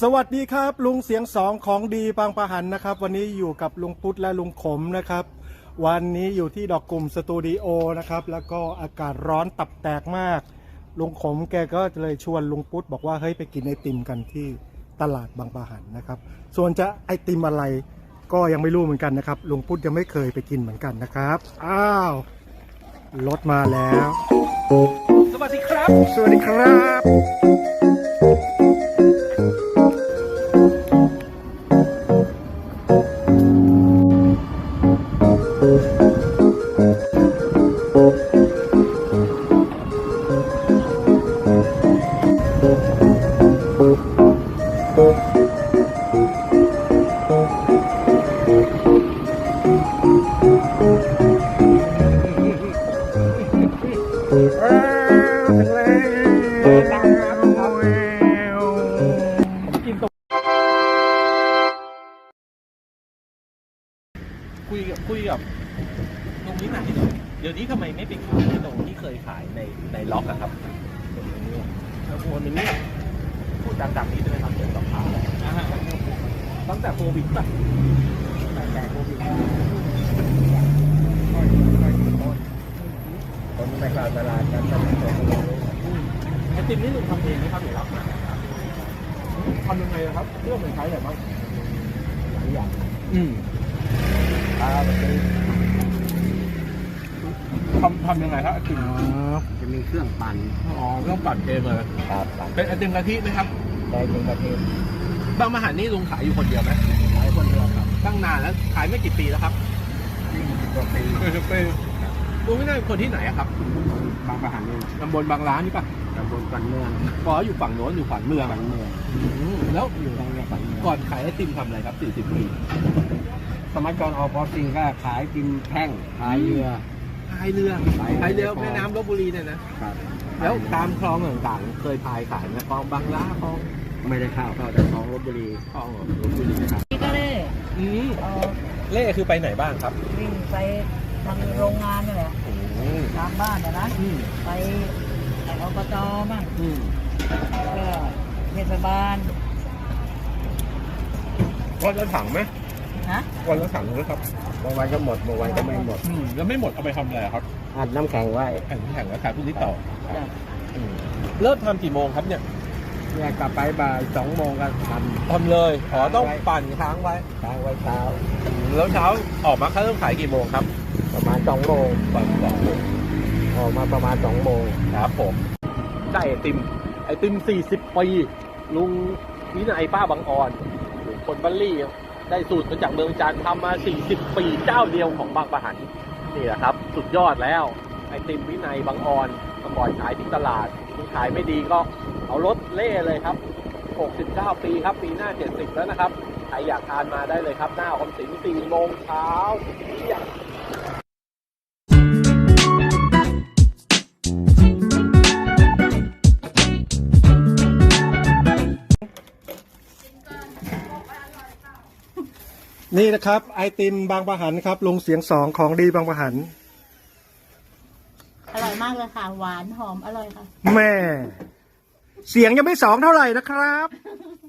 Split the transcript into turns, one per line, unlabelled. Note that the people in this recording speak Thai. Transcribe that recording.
วัสดีครับลุงเสียงสองของดีบางปะหันนะครับวันนี้อยู่กับลุงปุ๊ดและลุงขมนะครับวันนี้อยู่ที่ดอกกลุ่มสตูดิโอนะครับแล้วก็อากาศร้อนตับแตกมากลุงขมแกก็เลยชวนลุงปุ๊ดบอกว่าเฮ้ยไปกินไอติมกันที่ตลาดบางปะหันนะครับส่วนจะไอติมอะไรก็ยังไม่รู้เหมือนกันนะครับลุงปุ๊ดยังไม่เคยไปกินเหมือนกันนะครับอ้าวรถมาแล้ว
สวัสดีครับ
สวัสดีครับ
คุยกับตรงนี้หน่อยหน่อยเดี๋ยวนี้ทำไมไม่ไปขายตรงที่เคยขายในล็อกอะครับแล้วคนนึงเนี่ยพูดดังๆนี้ได้ไหมครับเกี่ยวกับข่าวตั้งแต่โควิดป่ะตั้งแต่โควิดคนไปขาดตลาดกันตั้งแต่โควิดไอติมนี่ลุงทำเองไหมครับหรือรับมาทำยังไงครับเรื่องมันใช้อะไรบ้างหลายอย่างทำยังไงครับไอติม
จะมีเครื่องปั่น
เครื่องปั่นเองเลย
ครับ
เป็นไอติมกะทิไหมครับ
ได้เป็นกะทิ
บางมหานี่ลุงขายอยู่คนเดียวไหม
ขายคนเดียวครับ
ตั้งนานแล้วขายไม่กี่ปีแล้วครับ
20 กว่าปี
ลุงไม่ได้เป็นคนที่ไหนครับ
บางปะหันนี่
ตำบลบางร้านนี่ป่ะ
ตำบลปันเมือง
พออยู่ฝั่งโน้นอยู่ฝั่งเมืองแล้ว
อยู่ทางนี้ปันเมือง
ก่อนขายไอติมทำอะไรครับ40 ปี
สมัยก่อนออกพอสิงก็ขายกินแท่งขายเรือ
แม่น้ำลพบุรีเนี่ยนะครับแล้วตามคลองต่างๆเคยพายขายไหมคลองบางล้าคลอง
ไม่ได้เข้าแต่คลองลพบุรี
คลองลพบุรีนะครับ
นี่ก็เล่
เล่คือไปไหนบ้างครับ
วิ่งไปทางโรงงานนี่แหละตามบ้านนะไปอบตบ้างแล้วก็เทศบาล
วันละถังไหมวันละถังหรือครับ
บางวันก็หมดบางวันก็ไม่หมด
แล้วไม่หมดเอาไปทำอะไรครับ
อัดน้ำแข็งไว้
แข็งแล้วขายพรุ่งนี้ต่อเริ่มทำกี่โมงครับเนี่ย
กลับไปบ่าย2 โมงก็
ทำเลยต้องปั่นค้างไว้
เช้า
แล้วเช้าออกมาเริ่มขายกี่โมงครับ
ประมาณ2 โมง
ปั่น2 โมง
ออกมาประมาณ2 โมง
ครับผมได้ไอติม40 ปีลุงวินัยป้าบางอ่อนคนบัลลี่ได้สูตรมาจากเมืองจันทร์ทำมา40 ปีเจ้าเดียวของบางปะหันนี่แหละครับสุดยอดแล้วไอติมวินัยบางอ่อนเมื่อก่อนขายที่ตลาดขายไม่ดีก็เอารถเล่เลยครับ69 ปีครับปีหน้า70แล้วนะครับใครอยากทานมาได้เลยครับหน้าออมสิน4 โมงเช้าเที่ยง
นี่นะครับไอติมบางปะหันครับลุงเสียงสองของดีบางปะหัน
อร่อยมากเลยค่ะหวานหอมอร่อยค่ะ
แม่เสียงยังไม่2เท่าไหร่นะครับ